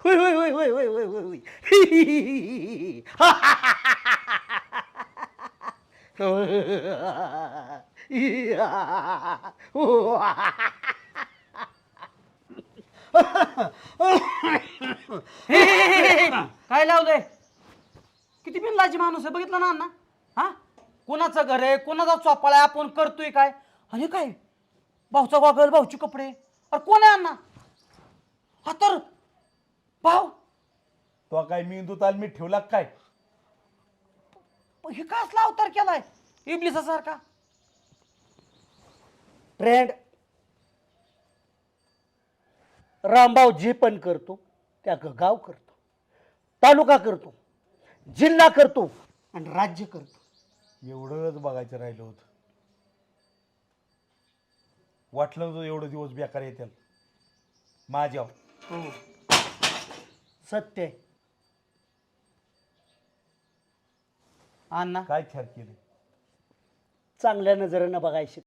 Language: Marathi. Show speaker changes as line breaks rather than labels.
होय होय होय होय होय होय होय
काय लावलंय? किती बिनलाजी माणूस आहे बघितलं ना अण्णा. हा, कोणाचं घर आहे, कोणाचा चोपाळा आहे, आपण करतोय काय? आणि काय भाऊचा गॉगल, भाऊचे कपडे. अरे कोण आहे अण्णा? हा तर भाऊ.
तो काय मेंदू ताल मी ठेवला का काय?
हे काय असला अवतार केलाय इबलिसासारखा?
ट्रेंड रामभाऊ जे पण करतो त्या गाव करतो, तालुका करतो, जिल्हा करतो आणि राज्य करतो.
एवढंच बघायचं राहिलं होतं. वाटलं नव्हतं एवढं दिवस बेकार येतील माझ्यावर.
सत्य आहे.
अण्णा
काय छान केलं.
चांगल्या नजरेनं बघायची.